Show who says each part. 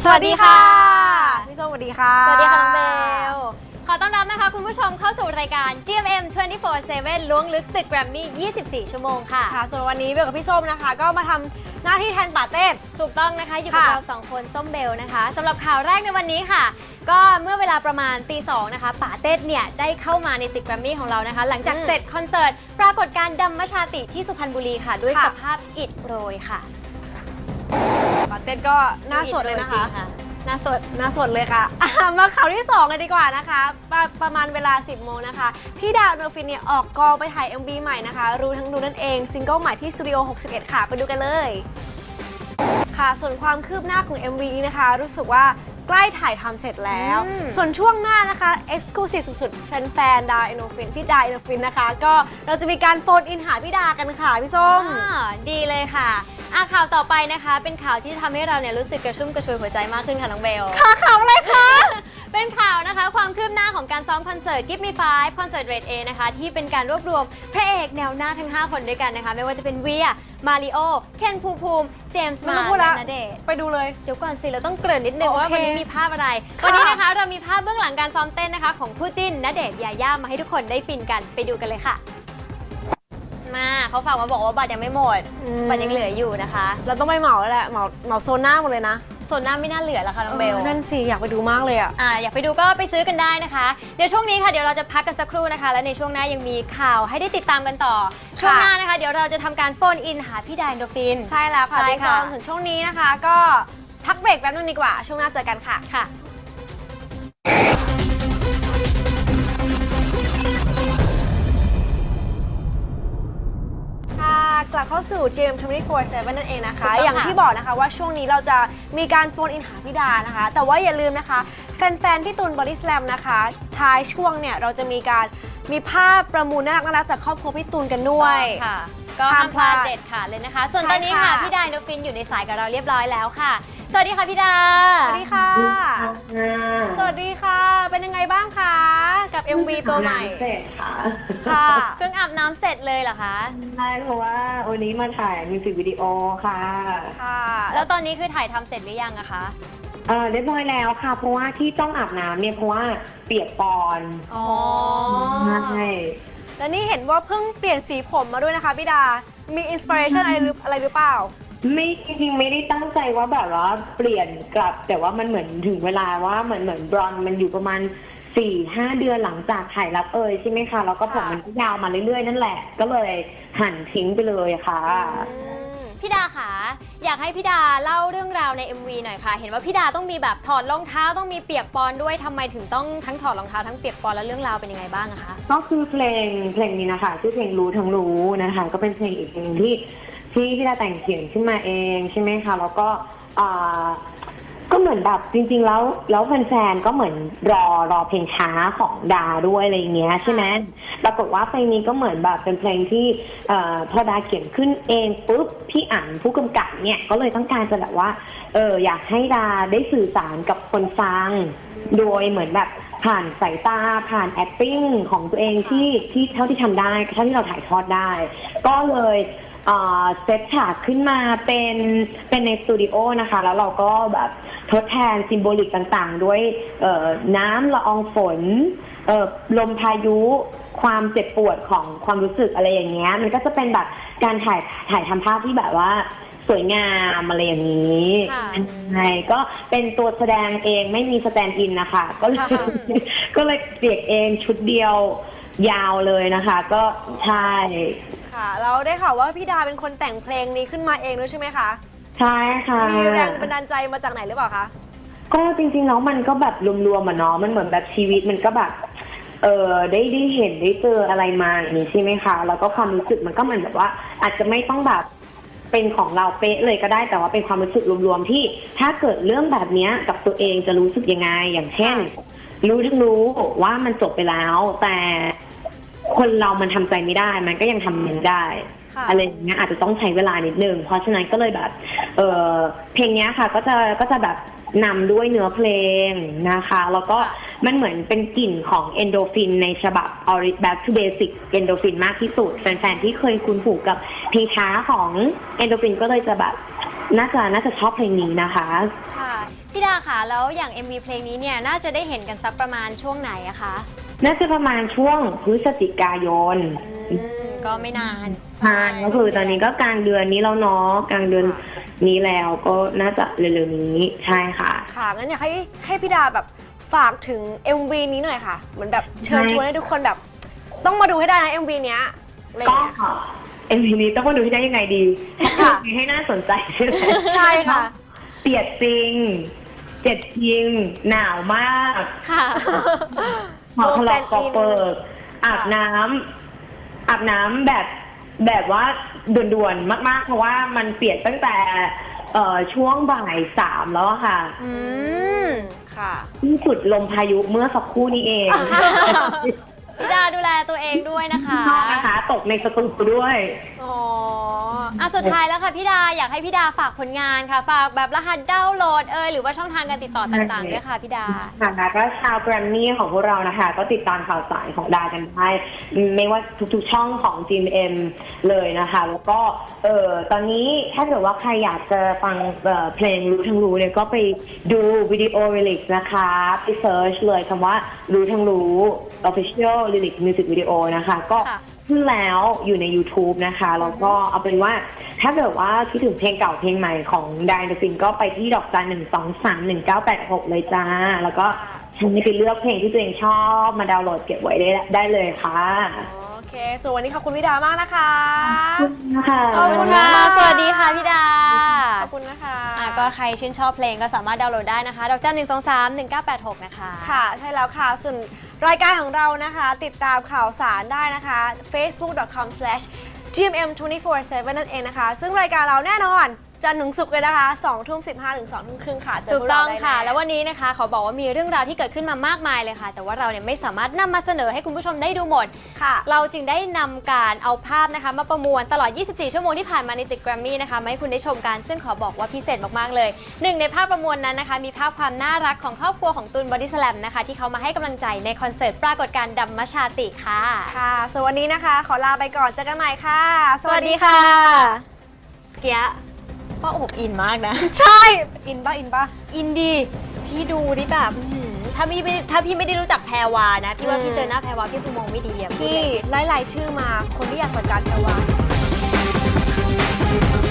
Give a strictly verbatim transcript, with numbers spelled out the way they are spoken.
Speaker 1: วัสดีค่ะพี่ส้มสวัสดีค่ะ
Speaker 2: สวัสดีค่ะน้องเบลขอต้อนรับนะคะคุณผู้ชมเข้าสู่รายการ จี เอ็ม เอ็ม ยี่สิบสี่ เซเว่น ล้วงลึกตึกแกรมมี่ ยี่สิบสี่ ชั่วโมงค่ะ
Speaker 1: ค่ะส่วนวันนี้เบลกับพี่ส้มนะคะก็มาทำหน้าที่แทนป่าเต้น
Speaker 2: ถูกต้องนะคะอยู่กับเราสองคนส้มเบลนะคะสำหรับข่าวแรกในวันนี้ค่ะก็เมื่อเวลาประมาณตีสองนะคะป่าเต้นเนี่ยได้เข้ามาในตึกแกรมมี่ของเรานะคะหลังจากเสร็จคอนเสิร์ตปรากฏการณ์ดัมมชาติที่สุพรรณบุรีค่ะด้วยสภาพอิฐโรยค่ะ
Speaker 1: ป่าเต้นก็หน้าสดเลยนะคะ
Speaker 2: หน้าสด
Speaker 1: หน้าสดเลยค่ะมาข่าวที่สองเลยดีกว่านะคะประประมาณเวลาสิบโมงนะคะพี่ดาวโนฟินเนี่ยออกกองไปถ่าย เอ็ม วี ใหม่นะคะรู้ทั้งรู้นั่นเองซิงเกิลใหม่ที่สตูดิโอหกสิบเอ็ดค่ะไปดูกันเลยค่ะส่วนความคืบหน้าของ เอ็ม วี นะคะรู้สึกว่าใกล้ถ่ายทำเสร็จแล้วส่วนช่วงหน้านะคะ Exclusive สุดๆแฟนๆดาเอโนฟินพี่ดาเอโนฟินนะคะก็เราจะมีการโฟนอินหาพี่ดากันค่ะพี่ส้ม
Speaker 2: ดีเลยค่ะอ่ะข่าวต่อไปนะคะเป็นข่าวที่ทำให้เราเนี่ยรู้สึกกระชุ่มกระชวยหัวใจมากขึ้นค่ะน้องเบล
Speaker 1: ค่ะข่าวอะไรคะ
Speaker 2: เป็นข่าวนะคะความคืบหน้าของการซ้อมคอนเสิร์ต Give Me Five คอนเสิร์ต Red A นะคะที่เป็นการรวบรวมพระเอกแนวหน้าทั้งห้าคนด้วยกันนะคะไม่ว่าจะเป็นเวียมาริโอเคนภูมิภูมิเจมส์มาและณเดชน์
Speaker 1: ไปดูเลย
Speaker 2: เดี๋ยวก่อนสิเราต้องเกริ่นนิดนึงว่าวันนี้มีภาพอะไรวันนี้นะคะเรามีภาพเบื้องหลังการซ้อมเต้นนะคะของคู่จิ้นณเดชน์ยาย่ามาให้ทุกคนได้ฟินกันไปดูกันเลยค่ะมาเขาฝากมาบอกว่าบัตรยังไม่หมดบัตรยังเหลืออยู่นะคะ
Speaker 1: เราต้องไปเหมาแล้วแหละเหมาเหมาโซนหน้าหมดเลยนะ
Speaker 2: โซนหน้าไม่น่าเหลือแล้วค่ะน้องเบล
Speaker 1: นั่นสิอยากไปดูมากเลยอ่ะ
Speaker 2: อ่าอยากไปดูก็ไปซื้อกันได้นะคะเดี๋ยวช่วงนี้ค่ะเดี๋ยวเราจะพักกันสักครู่นะคะและในช่วงหน้ายังมีข่าวให้ได้ติดตามกันต่อช่วงหน้านะคะเดี๋ยวเราจะทำการโฟนอินหาพี่ดาเอนโดฟิน
Speaker 1: ใช่แล้วค่ะพี่ส้มถึงช่วงนี้นะคะก็พักเบรกแป๊บนึงดีกว่าช่วงหน้าเจอกันค่ะ
Speaker 2: ค่ะ
Speaker 1: กลับเข้าสู่ จี เอ็ม ยี่สิบสี่ เซเว่น นั่นเองนะคะอย่างที่บอกนะคะว่าช่วงนี้เราจะมีการโฟนอินหาพี่ดานะคะแต่ว่าอย่าลืมนะคะแฟนๆพี่ตูนบอดี้สแลมนะคะท้ายช่วงเนี่ยเราจะมีการมีภาพประมูลน่ารักๆจากครอบครัวพี่ตูนกันด้วย
Speaker 2: ค่ะก็ห้ามพลาดเด็ดขาดเลยนะคะส่วนตอนนี้ค่ะพี่ดาเอนโดฟินอยู่ในสายกับเราเรียบร้อยแล้วค่ะสวัสดีค่ะพี่ดา
Speaker 1: สวัสดีค่ะสวัสดีค่ะเป็นยังไงบ้างคะกับ เอ็ม วี ตัวใหม่
Speaker 3: เสร็จค่ะ
Speaker 2: ค่ะเพิ่งอาบน้ำเสร็จเลยเหรอคะ
Speaker 3: ใช่เพราะว่าวันนี้มาถ่ายมิวสิกวิดีโอค่ะ
Speaker 2: ค่ะแล้วตอนนี้คือถ่ายทำเสร็จหรือยังอะคะ
Speaker 3: เออเรียบร้อยแล้วค่ะเพราะว่าที่ต้องอาบน้ำเนี่ยเพราะว่าเปียกปอน
Speaker 2: อ๋อ
Speaker 3: ใช่
Speaker 1: แล้วนี่เห็นว่าเพิ่งเปลี่ยนสีผมมาด้วยนะคะพี่ดามีอินสปิเรชันอะไรหรืออะไรหรือเปล่า
Speaker 3: ไม่จริงๆไม่ได้ตั้งใจว่าแบบว่าเปลี่ยนกลับแต่ว่ามันเหมือนถึงเวลาว่าเหมือนเหมือนบรอนมันอยู่ประมาณสี่ห้าเดือนหลังจากถ่ายรับเอยใช่ไหมคะแล้วก็ผมมันก็ยาวมาเรื่อยๆนั่นแหละก็เลยหั่นทิ้งไปเลยค่ะ
Speaker 2: พี่ดาค่ะอยากให้พี่ดาเล่าเรื่องราวใน เอ็ม วี หน่อยค่ะเห็นว่าพี่ดาต้องมีแบบถอดรองเท้าต้องมีเปียกปอนด้วยทำไมถึงต้องทั้งถอดรองเท้าทั้งเปียกปอนแล้วเรื่องราวเป็นยังไงบ้างนะคะ
Speaker 3: ก็คือเพลงเพลงนี้นะคะชื่อเพลงรู้ทั้งรู้นะคะก็เป็นเพลงอีกเพลงที่ที่พี่ดาแต่งเขียนขึ้นมาเองใช่ไหมคะแล้วก็ก็เหมือนแบบจริงๆแล้วแล้วแฟนๆก็เหมือนรอรอเพลงช้าของดาด้วยอะไรเงี้ยใช่ไหมปรากฏว่าเพลงนี้ก็เหมือนแบบเป็นเพลงที่พอดาเขียนขึ้นเองปุ๊บพี่อั๋นผู้กำกับเนี่ยก็เลยต้องการจะแบบว่าเอออยากให้ดาได้สื่อสารกับคนฟังโดยเหมือนแบบผ่านสายตาผ่าน acting ของตัวเองที่ที่เท่าที่ทำได้เท่าที่เราถ่ายทอดได้ก็เลยเซตฉากขึ้นมาเป็นเป็นในสตูดิโอนะคะแล้วเราก็แบบทดแทนซิมโบลิกต่างๆด้วยน้ำละอองฝนลมพายุความเจ็บปวดของความรู้สึกอะไรอย่างเงี้ยมันก็จะเป็นแบบการถ่ายถ่ายทำภาพที่แบบว่าสวยงามอะไรอย่างนี้ใช่ก็เป็นตัวแสดงเองไม่มีสแตนด์อินนะคะก็เลยก็เลยเปียกเองชุดเดียวยาวเลยนะคะก็ใช่
Speaker 1: ค่ะแล้วได้ข่าวว่าพี่ดาเป็นคนแต่งเพลงนี้ขึ้นมาเองด้วยใช่ไหมคะ
Speaker 3: ใช่ค่ะ
Speaker 1: มีแรงบันดาลใจมาจากไหนหรือเปล่าคะ
Speaker 3: ก็จริงๆแล้วมันก็แบบรวมๆอ่ะเนาะมันเหมือนแบบชีวิตมันก็แบบเออได้ได้เห็นได้เจออะไรมาอย่างนี้ใช่ไหมคะแล้วก็ความรู้สึกมันก็เหมือนแบบว่าอาจจะไม่ต้องแบบเป็นของเราเป๊ะเลยก็ได้แต่ว่าเป็นความรู้สึกรวมๆที่ถ้าเกิดเรื่องแบบนี้กับตัวเองจะรู้สึกยังไงอย่างเช่นรู้ทั้งรู้ว่ามันจบไปแล้วแต่คนเรามันทำใจไม่ได้มันก็ยังทำมันได้อะไรอย่างเงี้ยอาจจะต้องใช้เวลานิดนึงเพราะฉะนั้นก็เลยแบบเออเพลงนี้ค่ะก็จะก็จะแบบนำด้วยเนื้อเพลงนะคะแล้วก็มันเหมือนเป็นกลิ่นของเอนโดฟินในฉบับ Back to Basic เอนโดฟินมากที่สุดแฟนๆที่เคยคุ้นหูกับเพลงช้าของเอนโดฟินก็เลยจะแบบน่าจะน่าจะชอบเพลงนี้นะคะ
Speaker 2: ค่ะพี่ดาค่ะ แล้วอย่าง เอ็ม วี เพลงนี้เนี่ยน่าจะได้เห็นกันสักประมาณช่วงไหนอะคะ
Speaker 3: น่าจะประมาณช่วงพฤศจิกายน
Speaker 2: อืมก็ไม่นาน
Speaker 3: ใช่ก็คือตอนนี้ก็กลางเดือนนี้แล้วเนาะกลางเดือนนี้แล้วก็น่าจะเร็วๆนี้ใช่ค่ะ
Speaker 1: ค่ะงั้นอยากให้ให้พี่ดาแบบฝากถึง เอ็ม วี นี้หน่อยค่ะเหมือนแบบเชิญชวนให้ทุกคนแบบต้องมาดูให้ได้นะ เอ็ม วี เนี้ยอะไรอย่าง
Speaker 3: ก็
Speaker 1: เงี้ย
Speaker 3: เอ็มวีนี้ต้องมาดูที่ได้ยังไงดี
Speaker 1: ค่ะ
Speaker 3: มีให้น่าสนใจใช่ไหม
Speaker 1: ใช่ค่ะ
Speaker 3: เปียกจริง เจ็ดจริง หนาวมาก
Speaker 2: ค่ะ
Speaker 3: หอทะเลาะกอเปิดอาบน้ำอาบน้ำแบบแบบว่าด่วนๆมากๆ เพราะว่ามันเปียกตั้งแต่เอ่อช่วงบ่ายสามแล้วอะค่ะ
Speaker 2: อืม
Speaker 1: ค่ะ
Speaker 3: ที่สุดลมพายุเมื่อสักครู่นี้เอง
Speaker 2: พี่ดาดูแลตัวเองด้วยนะคะ
Speaker 3: ชอบนะคะ ตกในสตูด้วย
Speaker 1: อ๋อ
Speaker 2: อ่ะสุดท้ายแล้วค่ะพี่ดาอยากให้พี่ดาฝากผลงานค่ะ ฝากแบบรหัสดาวน์โหลดเอยหรือว่าช่องทางการติดต่อต่างๆด้วยค่ะพี่ดา
Speaker 3: ค่ะก็ชาวแกรมมี่ของพวกเรานะคะ ก็ติดตามข่าวสารของดากันได้ไม่ว่าทุกๆช่องของ จี เอ็ม เลยนะคะ แล้วก็เออตอนนี้ถ้าเกิดว่าใครอยากจะฟังเอ่อเพลงรู้ทั้งรู้เนี่ยก็ไปดูวิดีโอลิลิกนะคะไปเซิร์ชเลยคำว่ารู้ทั้งรู้ Official Lyric Music Video นะคะ ก็
Speaker 2: ค่ะ
Speaker 3: ขึ้นแล้วอยู่ใน YouTube นะคะ แล้วก็เอาเป็นว่าถ้าเกิดว่าคิดถึงเพลงเก่าเพลงใหม่ของไดนฟินก็ไปที่ดอกจันหนึ่งสองสามหนึ่งเก้าแปดหกเลยจ้า แล้วก็ฉันไปเลือกเพลงที่ตัวเองชอบมาดาวน์โหลดเก็บไว้ได้ได้เลยค่ะ
Speaker 1: โอเค ส่วนวันนี้ขอบคุณพี่ดามากนะคะ
Speaker 3: ค่ะ
Speaker 2: ขอบคุณค่ะ สวัสดีค่ะพี่ดา
Speaker 1: ขอบคุณนะคะ
Speaker 2: อ่ะก็ใครชื่นชอบเพลงก็สามารถดาวน์โหลดได้นะคะ ดอกจันหนึ่งสองสามหนึ่งเก้าแปดหกนะคะ
Speaker 1: ค่ะ ใช่แล้วค่ะ ส่วนรายการของเรานะคะ ติดตามข่าวสารได้นะคะ เฟซบุ๊ก ดอท คอม สแลช จี เอ็ม เอ็ม ทเวนตี้โฟร์ เซเว่น นั่นเองนะคะ ซึ่งรายการเราแน่นอนจันทร์ถึงศุกร์เลยนะคะสองทุ่มสิบห้าถึงสองทุ่มครึ่งค่ะเจอ
Speaker 2: ถู
Speaker 1: พ
Speaker 2: ก
Speaker 1: วก
Speaker 2: ต้
Speaker 1: เรา
Speaker 2: อง
Speaker 1: ได้
Speaker 2: ค่ะ
Speaker 1: แน่
Speaker 2: แล้ววันนี้นะคะเขาบอกว่ามีเรื่องราวที่เกิดขึ้นมามากมายเลยค่ะ แต่ว่าเราเนี่ยไม่สามารถนำมาเสนอให้คุณผู้ชมได้ดูหมด
Speaker 1: ค่ะ
Speaker 2: เราจึงได้นำการเอาภาพนะคะมาประมวลตลอด ยี่สิบสี่ ชั่วโมงที่ผ่านมาในตึกแกรมมี่นะคะมาให้คุณได้ชมกัน ซึ่งขอบอกว่าพิเศษมากๆเลยหนึ่งในภาพประมวลนั้นนะคะ มีภาพความน่ารักของครอบครัวของตูนบอดี้สแลมนะคะที่เขามาให้กำลังใจในคอนเสิร์ตปรากฏการณ์ดัมมชาติค่ะ
Speaker 1: ค่ะส่วนวันนี้นะคะ ขอลาไปก่อนเจอกันใหม่ค่ะ
Speaker 2: สวัสดีค่ะเกียะป้าอบอินมากนะ
Speaker 1: ใช่ อินป่ะ อินป่ะ
Speaker 2: อินดีพี่ดูดิแบบอื้อหือถ้าพี่ไม่ถ้าพี่ไม่ได้รู้จักแพรวานะพี่ว่า
Speaker 1: อืม
Speaker 2: พี่เจอหน้าแพรวาพี่คงมองไม่ดีอะ
Speaker 1: พี่ไล่รายชื่อมาคนที่อยากจัดการแพรวา